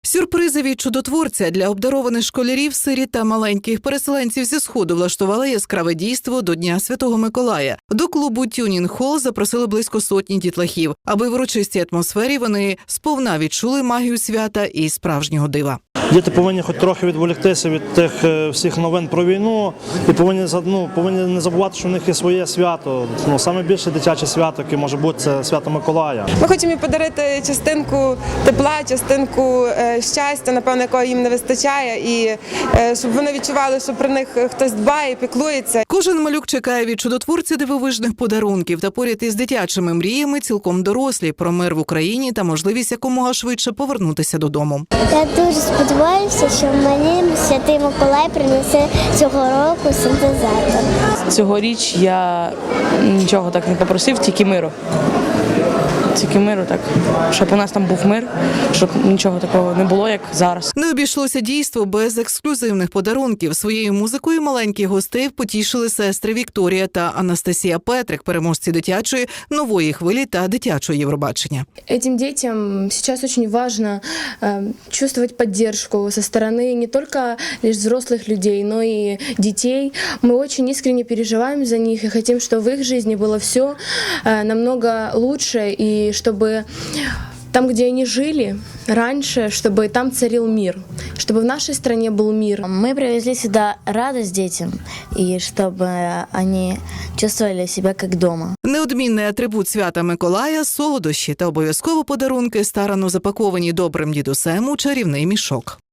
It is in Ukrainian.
Сюрпризи від чудотворця для обдарованих школярів, сиріт та маленьких переселенців зі Сходу влаштували яскраве дійство до Дня Святого Миколая. До клубу «Тюнінг Холл» запросили близько сотні дітлахів, аби в урочистій атмосфері вони сповна відчули магію свята і справжнього дива. Діти повинні хоч трохи відволіктися від тих всіх новин про війну і повинні не забувати, що в них є своє свято. Саме більше дитяче свято, яке може бути, це свято Миколая. Ми хочемо їм подарити частинку тепла, частинку щастя, напевно, якого їм не вистачає, і щоб вони відчували, що про них хтось дбає, піклується. Кожен малюк чекає від чудотворця дивовижних подарунків та поряд із дитячими мріями цілком дорослі про мир в Україні та можливість якомога швидше повернутися додому. Я дуже сподіваюся, що мені Святий Миколай принесе цього року синтезатор. Цьогоріч я нічого так не попросив, тільки миру. Тільки миру, так, щоб у нас там був мир, щоб нічого такого не було, як зараз. Не обійшлося дійство без ексклюзивних подарунків. Своєю музикою маленьких гостей потішили сестри Вікторія та Анастасія Петрик, переможці дитячої нової хвилі та дитячого Євробачення. Этим детям сейчас очень важно чувствовать поддержку со стороны не только лишь взрослых людей, но и детей. Мы очень искренне переживаем за них и хотим, чтобы в их жизни было все намного лучше, и чтобы там, где они жили раньше, чтобы там царил мир, чтобы в нашей стране был мир. Мы привезли сюда радость детям, и чтобы они чувствовали себя как дома. Неодмінний атрибут свята Миколая – солодощі та обов'язково подарунки, старанно запаковані добрим дідусем у чарівний мішок.